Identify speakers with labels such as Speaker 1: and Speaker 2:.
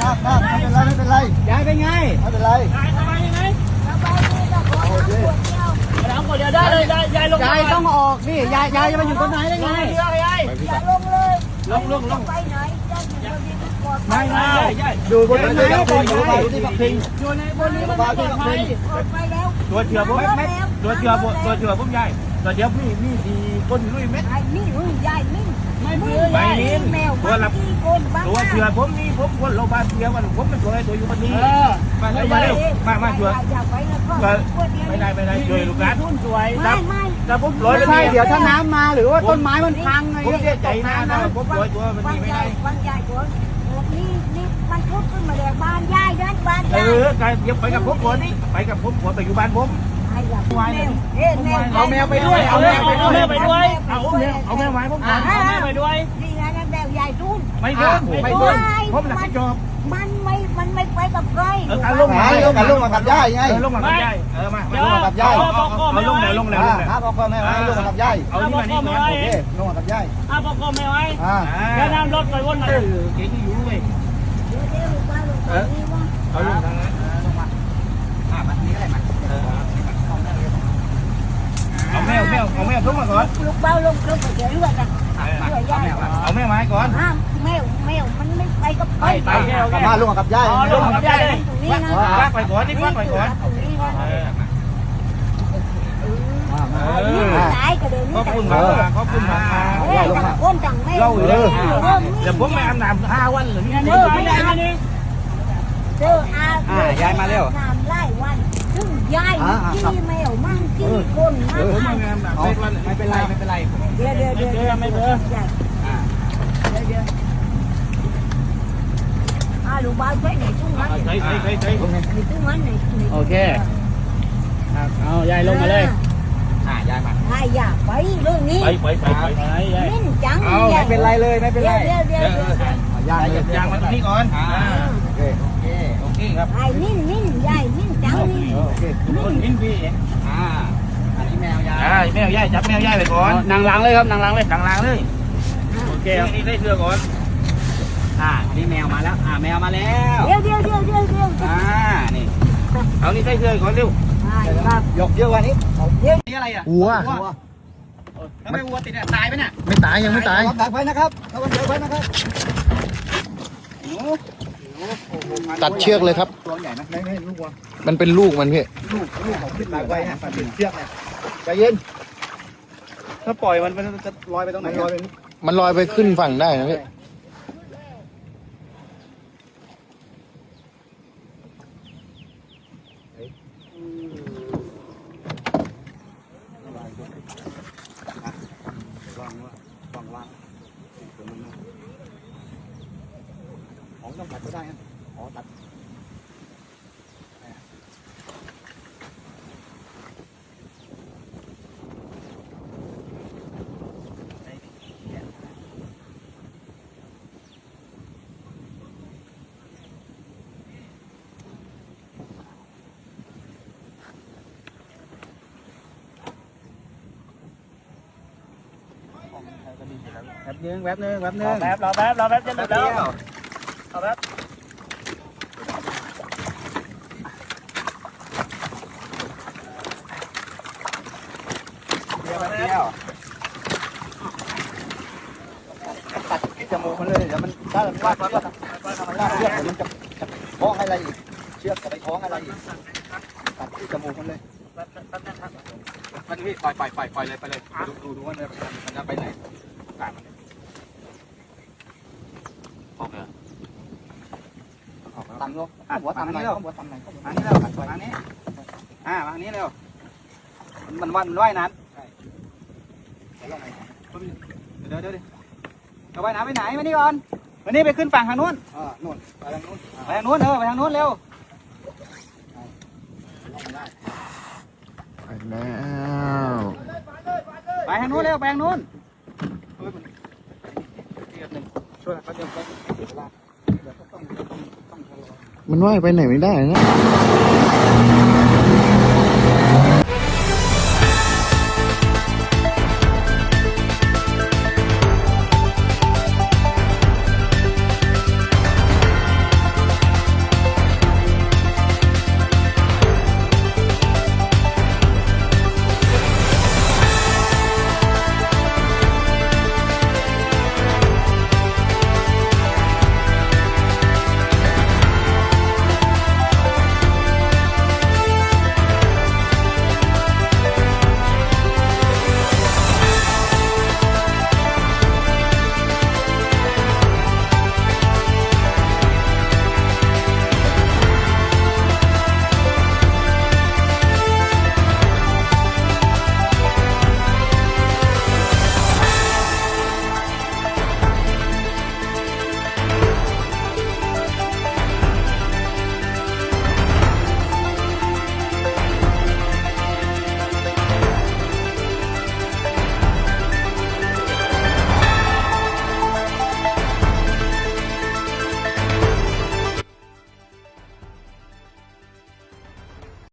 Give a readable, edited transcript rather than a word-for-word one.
Speaker 1: ไม่เป็นไรยายเป็นไงไม่เป็นไรยายสบายยังไงสบายดีแต่ขอน้ำขวดเดียวได้เลยยายลงยายต้องออกนี่ยายจะมาอยู่ตรงไหนได้ไงยายอย่าลงเลยลงไปไหนไม่อยู่บนนี้ปลอดภัยอยู่ในบนนี้มันปลอดภัยตัวเชือผมตัวเชือผมใหญ่ตัวเดียวมีดีก้นลุยเม็ดนี่ลุยใหญ่นี่ไม่นิ้ตัวหลับตัวเชือผมนี่ผมคนโรงพยาบาลเชือวันผมเป็นตัวอะไรตัวอยู่บนนี้มาเร็วมาเชือไม่ได้ช่วยลูกหลานแต่ผมลอยไม่ใช่เดี๋ยวถ้าน้ำมาหรือว่าต้นไม้มันพังไงผมเสียใจนะผมลอยตัวมันนี่ไม่ได้บางใหญ่ตัวนี่มันพุดขึ้นมาเลยบ้านใหญ่เดินบ้านใหญ่อย่าไปกับผมก่อนนี่ไปกับผมก่อนไปอยู่บ้านผมเอาแมวไปด้วยเอาแมวไปด้วยเอาแมวไว้ผมก่อนเอาแมวไปด้วยนี่ไงนั่นแมวใหญ่ดุนไม่ดุนผมหนักที่จอบมันไม่ไปกับใครการลงมากับย่ายไงลงมากับย่ายมาลงมากับย่ายเอาลงแล้วพ่อแม่ไว้ลงมากับย่ายเอานี่มานี่ก่อนโอเคลงมากับย่ายพ่อแม่ไว้แล้วน้ำรถไปวนมาเก่งอยู่เว้ยเอาลงทางนั้นลงมามานี้อะไรมาเอาแมวทุกมาก่อนลูกเบ้าลงไปเจอเลือดนะเอาแมวมาก่อนแมวมันไม่ไปกับไปมาลงกับย่ายลงกับย่ายลากไปก่อนนี่ลากไปก่อนขอบคุณมาก้นจังแม่เล่าเลยเดี๋ยวผมไม่อาบน้ำ5 วันหรือนี่ไม่ได้นี่เจอยายมาเร็วน้ำไล่วันซึ่งยายขี้แมวมั่งขี้คนมั่งไม่เป็นไรเดี๋ยวไม่เบื่อลูกบ้านใช้ไหนจุ้งมันใช้จุ้งมันไหนโอเคเอายายลงมาเลยยายมาอย่าไปเรื่องนี้ไปนิ่งจังไม่เป็นไรเลยไม่เป็นไรเดี๋ยวยางมาตรงนี้ก่อนโอเคครับนิ่งยายนิ่งจังนี่โอเคทุกคนนิ่งพี่อันนี้แมวยายจับแมวยายไปก่อนนางล้างเลยครับนางล้างเลยโอเคนี่ได้เสื้อก่อนนี่แมวมาแล้วแมวมาแล้วเดี๋ยวนี่เอานี่ได้เสื้อก่อนเร็วยกเยอะกว่านี้นี่อะไรอ่ะวัวถ้าไม่วัวติดตายไหมเนี่ยไม่ตายยังไม่ตายดักไว้นะครับ
Speaker 2: ตัดเชือกเลยครับ
Speaker 1: ตัวใหญ่ไหมไม่ลูกวัว
Speaker 2: มันเป็นลูกมันพี่
Speaker 1: ลูกเขาขึ้นดักไว้ฮะติดเชือกเนี่ยใจเย็นถ้าปล่อยมันจะลอยไปตรงไหน
Speaker 2: มันลอยไปขึ้นฝั่งได้นะพี่
Speaker 1: ต้องตัดก็ได้ตัดแป๊บนึงรอแป๊บจะหลุดแล้วเอาแบบตัดที่จมูกมันเลยเดี๋ยวมันถ้ามันลากเชือกเดี๋ยวมันจะคล้องอะไรอีกเชือกจะไปคล้องอะไรอีกตัดที่จมูกมันเลยมันพี่ปล่อยเลยไปเลยดูว่ามันจะไปไหนต่ำลงหัวต่ำหน่อยหัวต่ำหน่อยมานี้เร็วมานี้มานี้เร็วมันว่ายน้ำเดี๋ยวเอาว่ายน้ำไปไหนมานี่ก่อนมานี่ไปขึ้นฝั่งทางนู้นนู่นไปทางนู้นไปทางนู้นเร็ว
Speaker 2: ไปแล้ว
Speaker 1: ไปทางนู้นเร็วไปทางนู้นช่วยเขาเดี๋ยว
Speaker 2: มันว่ายไปไหนไม่ได้นะ